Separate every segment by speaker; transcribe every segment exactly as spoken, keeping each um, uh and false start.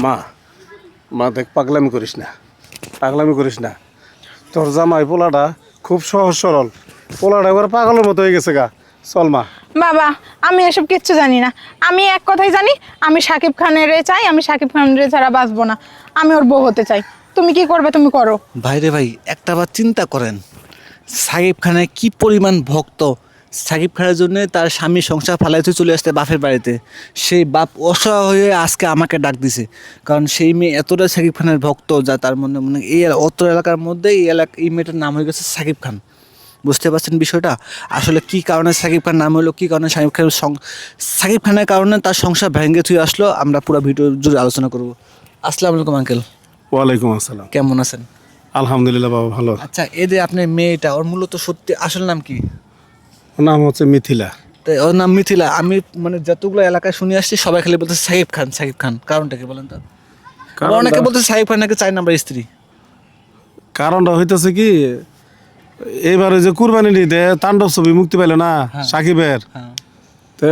Speaker 1: মা মা দেখ পাগলামি করিস না, পাগলামি করিস না। তোর জামাই পোলাটা খুব সহজ সরল, পোলাটা এবার পাগলের মতো হয়ে গেছে গা। চল মা।
Speaker 2: বাবা আমি এসব কিচ্ছু জানি না। আমি এক কথাই জানি, আমি সাকিব খানের চাই, আমি সাকিব খানের ছাড়া বাঁচবো না। আমি ওর বউ হতে চাই। তুমি কি করবে তুমি করো।
Speaker 3: ভাইরে ভাই, একটা বার চিন্তা করেন, সাকিব খানের কি পরিমাণ ভক্ত। সাকিব খানের জন্য তার স্বামী সংসার ফালাইতে চলে আসতে বাপের বাড়িতে, সেই বাপ অসহায় হয়ে আজকে আমাকে ডাক দিছে। কারণ সেই মেয়ে এতটা সাকিব খানের ভক্ত যা তার মনে মনে এই অত্র এলাকার মধ্যে এই এলাকা এই মেয়েটার নাম হয়ে গেছে সাকিব খান। বুঝতে পারছেন বিষয়টা? আসলে কি কারণে সাকিব খান নাম হলো, কী কারণে সাকিব খানের সাকিব খানের কারণে তার সংসার ভেঙে থুয়ে আসলো, আমরা পুরো ভিডিও জুড়ে আলোচনা করব। আসসালামু আলাইকুম আঙ্কেল।
Speaker 1: ওয়ালাইকুম আসসালাম।
Speaker 3: কেমন আছেন?
Speaker 1: আলহামদুলিল্লাহ বাবা ভালো।
Speaker 3: আচ্ছা, এই যে আপনার মেয়েটা, ওর মূলত সত্যি আসল নাম কি?
Speaker 1: ওর নাম হচ্ছে মিথিলা।
Speaker 3: তাই ওর নাম মিথিলা। আমি মানে যতগুলো এলাকায় শুনে আসছি সবাই খালি বলতে সাকিব খান সাকিব খান। কারণটা কি বলেন তো? আবার অনেকে বলতে সাকিব খান নাকি চার নাম্বার স্ত্রী।
Speaker 1: কারণটা হইতেছে কি, এইবারে যে কুরবানি ঈদে তাণ্ডব ছবি মুক্তি পাইল না সাকিবের,
Speaker 3: হ্যাঁ
Speaker 1: তো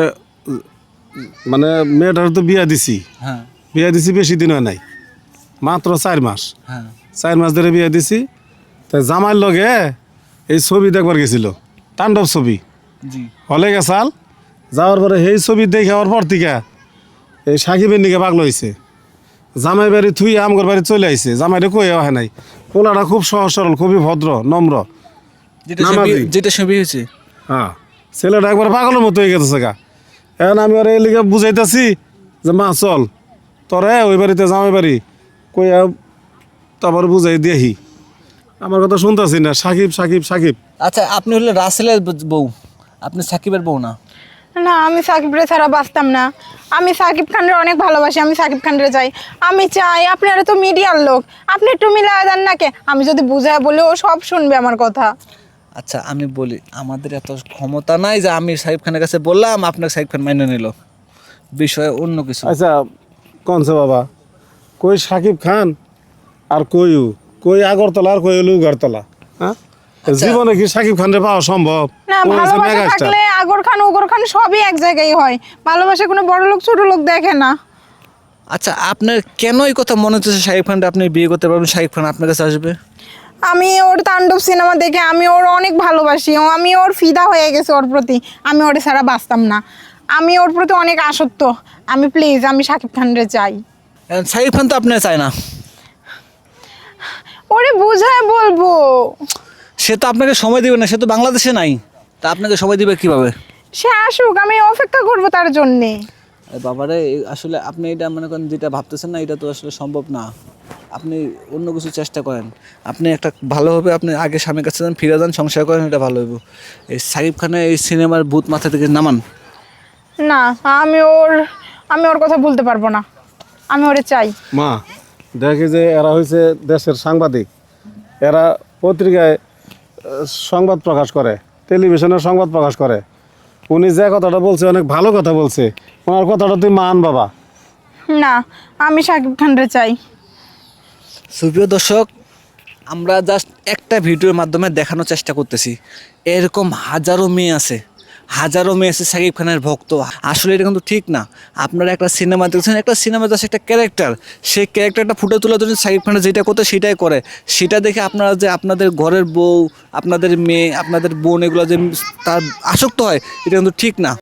Speaker 1: মানে মেয়েটার তো বিয়া দিছি,
Speaker 3: হ্যাঁ
Speaker 1: বিয়া দিছি বেশি দিন হয় নাই, মাত্র চার মাস।
Speaker 3: হ্যাঁ
Speaker 1: চার মাস ধরে বিয়া দিছি। তাই জামাইয়ের লগে এই ছবি দেখবার গেছিল, তাণ্ডব ছবি
Speaker 3: জি।
Speaker 1: হলে গেছাল। যাওয়ার পরে সেই ছবি দেখে হওয়ার পর থেকে এই সাকিবের নিকে পাগল হয়েছে। জামাই বাড়ি থুই আমগর বাড়ি চলে আইছে, জামাইরে কই হয় নাই। পোলাটা খুব সহজ সরল, খুবই ভদ্র নম্র।
Speaker 3: যেটা
Speaker 1: নামাজি।
Speaker 3: ছবি যেটা ছবি হয়েছে।
Speaker 1: হ্যাঁ, ছেলেটা একবার পাগলের মতো হয়ে গেছে গা। এখন আমি ওর এই লিগে বুঝাইতেছি যে মা চল তোরে ওই বাড়িতে জামাই বাড়ি কই, তারপর বুঝাই দিয়েহি। আমার কথা শুনতেছি না, সাকিব সাকিব সাকিব।
Speaker 3: আচ্ছা, আপনি হলে রাসেলের বউ, আপনি সাকিবের বউ না?
Speaker 2: না, আমি সাকিবরে ছাড়া বাঁচতাম না। আমি সাকিব খানের অনেক ভালোবাসি, আমি সাকিব খানরে চাই। আমি চাই, আপনারা তো মিডিয়ার লোক, আপনি একটু মিলায় দেন নাকে। আমি যদি বুঝায় বলে ও সব শুনবে আমার কথা।
Speaker 3: আচ্ছা আমি বলি, আমাদের এত ক্ষমতা নাই যে আমি সাকিব খানের কাছে বললাম আপনাকে সাকিব খান মেনে নিল, বিষয়ে অন্য কিছু।
Speaker 1: আচ্ছা কনছে বাবা, কই সাকিব খান আর কই ও? কই আগরতলা আর কই হলো উগারতলা? হ্যাঁ, জীবনে কি সাকিব খানরে পাওয়া সম্ভব?
Speaker 2: না,
Speaker 1: ও হচ্ছে
Speaker 2: ভালোবাসা
Speaker 1: মেগাস্টার।
Speaker 2: থাকলে আগর খান ওগর খান সবই এক জায়গায় হয়। ভালোবাসা কোনো বড় লোক ছোট লোক দেখে না।
Speaker 3: আচ্ছা, আপনার কেন এই কথা মনে হচ্ছে সাকিব খানটা আপনি বিয়ে করতে পারবেন, সাকিব খান আপনার কাছে আসবে?
Speaker 2: আমি ওর তাণ্ডব সিনেমা দেখে আমি ওর অনেক ভালোবাসি, ও আমি ওর ফিদা হয়ে গেছে ওর প্রতি। আমি ওর ছাড়া বাঁচতাম না। আমি ওর প্রতি অনেক আসক্ত। আমি প্লিজ, আমি সাকিব খানরে চাই।
Speaker 3: এখন সাকিব খান তো আপনার চায় না।
Speaker 2: ওরে বুঝায় বলবো।
Speaker 3: সে তো আপনাকে সময় দিবে না, সে তো বাংলাদেশে নাই, তা আপনাকে সময় দিবে কিভাবে?
Speaker 2: সে আসুক, আমি অপেক্ষা করবো তার জন্যে।
Speaker 3: আরে বাবারে, এ- আসলে আপনি এটা মনে করেন যেটা ভাবতেছেন না, এটা তো আসলে সম্ভব না। আপনি অন্য কিছু চেষ্টা করেন। আপনি একটা ভালোভাবে আপনি আগে স্বামীর কাছে যান, ফিরে যান, সংসার করেন, এটা ভালো হইব। এই সাকিব খানের এই সিনেমার ভূত মাথা থেকে নামান।
Speaker 2: না, আমি ওর আমি ওর কথা বলতে পারবো না। আমি ওরে চাই।
Speaker 1: মা দেখে যে এরা হয়েছে দেশের সাংবাদিক, এরা পত্রিকায় আহ, সংবাদ প্রকাশ করে, টেলিভিশনের সংবাদ প্রকাশ করে। উনি যে কথাটা বলছে অনেক ভালো কথা বলছে, ওনার কথাটা তুই মান বাবা।
Speaker 2: না, আমি সাকিব খানরে চাই।
Speaker 3: সুপ্রিয় দর্শক, আমরা জাস্ট একটা ভিডিওর মাধ্যমে দেখানোর চেষ্টা করতেছি, এরকম হাজারো মেয়ে আছে, হাজারো মেয়ে আছে সাকিব খানের ভক্ত। আসলে এটা কিন্তু ঠিক না। আপনারা একটা সিনেমা দেখছেন, একটা সিনেমা জাস্ট একটা ক্যারেক্টার, সেই ক্যারেক্টারটা ফুটে তোলার জন্য সাকিব খানের যেটা করতে সেটাই করে। সেটা দেখে আপনারা যে আপনাদের ঘরের বউ, আপনাদের মেয়ে, আপনাদের বোন এগুলো যে তার আসক্ত হয়, এটা কিন্তু ঠিক না।